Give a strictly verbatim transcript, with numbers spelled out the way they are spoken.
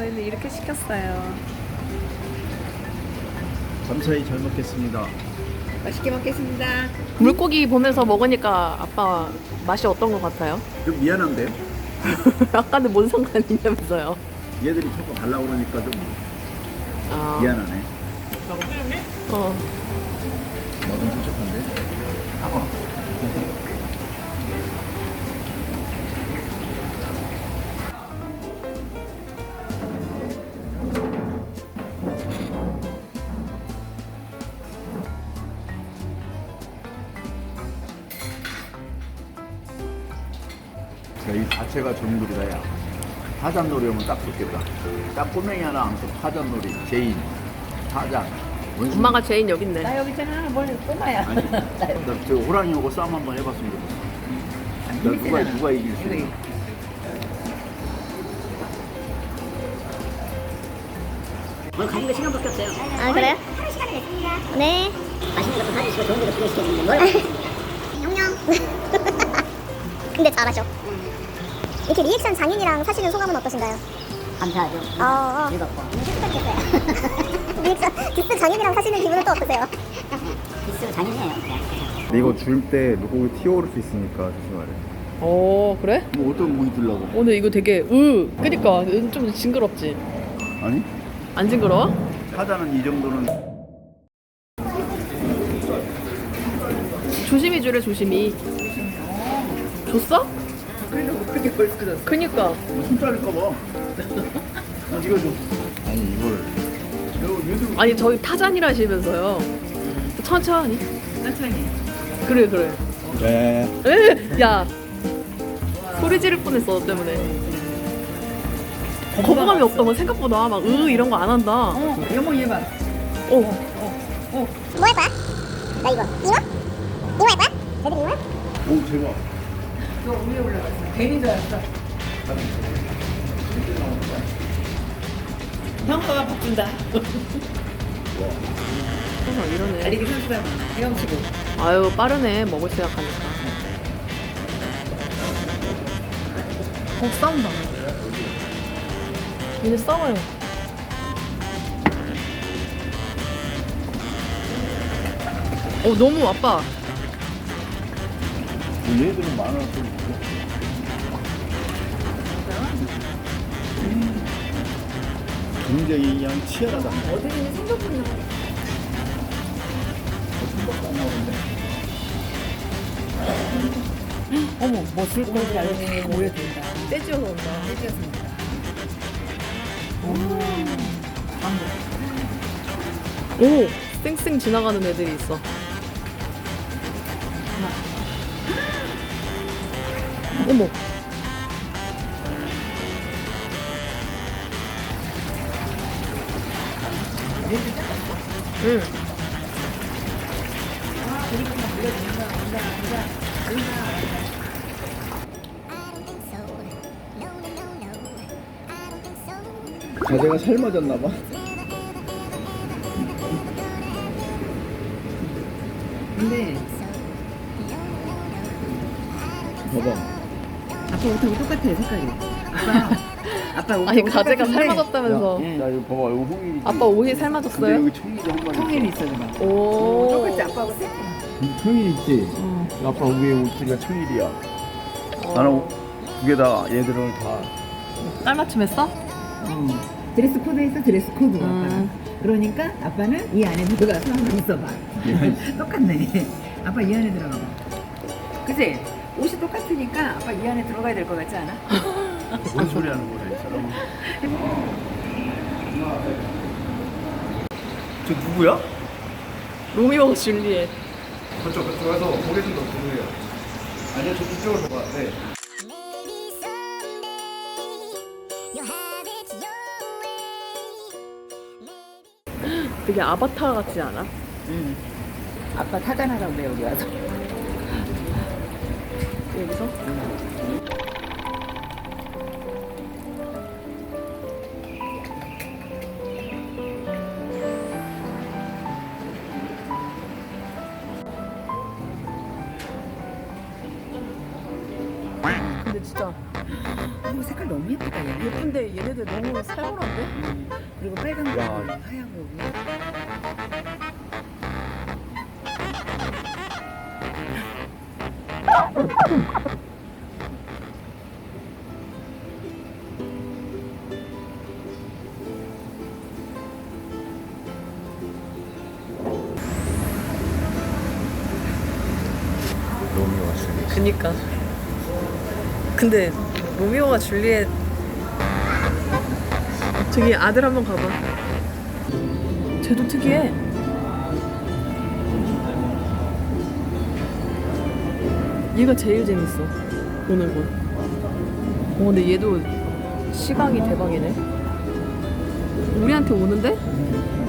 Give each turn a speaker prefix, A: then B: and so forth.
A: 저희는 이렇게 시켰어요.
B: 감사히 잘 먹겠습니다.
A: 맛있게 먹겠습니다.
C: 물고기 보면서 먹으니까 아빠 맛이 어떤 것 같아요?
B: 좀 미안한데
C: 아까는 뭔 상관이냐면서요.
B: 얘들이 자꾸 가려고 그러니까 좀
C: 아,
B: 미안하네.
C: 어.
B: 맛은 부족한데. 아. 이 자체가 전물이다 야. 파전놀이 오면 딱 좋겠다. 딱 꼬맹이 하나 안고 파전놀이, 제인, 파전. 원숭이.
C: 엄마가 제인 여기 있네.
A: 나 여기 있잖아. 뭘 꼬마야.
B: 아니, 나저 호랑이하고 싸움 한번 해봤으면 좋겠어. 나 누가 누가 이길 수 있나?
D: 오늘 가는 거 시간밖에 없어요.
E: 아 그래요?
D: 하루 시간을 냈습니다.
E: 네.
D: 맛있는 것도 사주시고 좋은 데도 구경시켜주는데 뭘? 영영.
E: 근데 잘하셔. 이렇게 리액션 장인이랑 사시는 소감은 어떠신가요?
D: 감사하죠.
E: 어, 어.
D: 즐겁고.
E: 행복했겠어요. 리액션 디스 장인이랑 사시는 기분은 또 어떠세요?
D: 기스 장인이에요.
B: 근데 이거 줄 때 물고기 튀어오를 수 있으니까 조심하래.
C: 어, 그래?
B: 뭐 어떤 고기 주려고?
C: 오늘 이거 되게 으 그니까 좀 징그럽지?
B: 아니?
C: 안 징그러워?
B: 파자는 이 정도는
C: 조심히 주래 조심히. 줬어?
A: 그래도 어떻게 벌써 줬어?
C: 그니까.
B: 손 자를까 봐. 어, 이거 좀. 아니 이걸. 이거 얘들
C: 아니 저희 타잔이라시면서요. 천천히.
A: 천천히.
C: 그래 그래.
B: 네.
C: 에, 야 소리 지를 뻔했어 너 때문에. 거부감이 없다고 생각보다 막 으 이런 거 안 한다.
A: 어, 여보 얘 봐.
C: 어.
E: 뭐 할 거야? 나 이거. 잉어? 잉어 할 거야? 애들 잉어?
B: 오 대박.
A: 너 위에 올라갔어. 괜히 줄 알았어. 형과가 바꾼다.
C: 항상 이러네.
A: 달리기 선수다. 헤엄치고.
C: 아유 빠르네 먹을 생각하니까. 어 싸운다. 얘네 싸워요. 어 너무 아빠.
B: 얘들은 많아서 굉장히 그냥 치열하다.
A: 어디는 생각보다.
B: 생각도 안 나오는데.
A: 어머, 멋을 거지 않으니 모여든다.
C: 떼지어서 온다.
A: 떼지었습니다.
C: 오 쌩쌩 지나가는 애들이 있어. 어머. 응.
B: 자세가 삶아졌나 봐.
A: 근데
B: 봐봐.
A: 아빠 옷하고 똑같아 색깔이. 아빠 아빠 옷하고
C: 아니 가재가
A: 똑같은데
C: 삶아졌다면서.
A: 예.
B: 야 이거 봐봐 이거 홍일이지.
C: 아빠 옷이
B: 근데
C: 삶아졌어요?
B: 여기 청일이 한 마리.
A: 통일이 있어 봐.
C: 오.
A: 똑같이 아빠하고 색.
B: 청일 있지.
A: 어.
B: 아빠 위에 옷들이가 청일이야. 나는 두 개 다 얘들은 다.
C: 깔맞춤했어?
A: 어. 드레스 코드 했어 드레스 코드 아빠.
C: 음.
A: 그러니까 아빠는 이 안에 들어가서 한번 있어봐. 똑같네. 아빠 이 안에 들어가 봐. 그치? 옷이 똑같으니까 아빠 이 안에 들어가야 될 것 같지 않아?
B: 뭔 소리 하는 거야 이 사람. 저 누구야?
C: 로미오와 줄리엣.
B: 저쪽 그쪽 가서 고개 좀 더 보세요. 아니요 저 그쪽으로 가. 네.
C: 되게 아바타 같지 않아?
A: 응. 아빠 타잔하라고 그래 여기 와서.
C: 여기서? 근데 진짜
A: 어, 색깔 너무 예쁘다 얘네.
C: 예쁜데 얘네들 너무 살벌한데?
A: 음, 그리고 빨간 거,
B: 야.
A: 하얗고.
B: 로미오와 줄리엣.
C: 그니까. 근데 로미오와 줄리엣 저기 아들 한번 가봐. 쟤도 특이해. 얘가 제일 재밌어 보는 거. 어 근데 얘도 시각이 대박이네. 우리한테 오는데?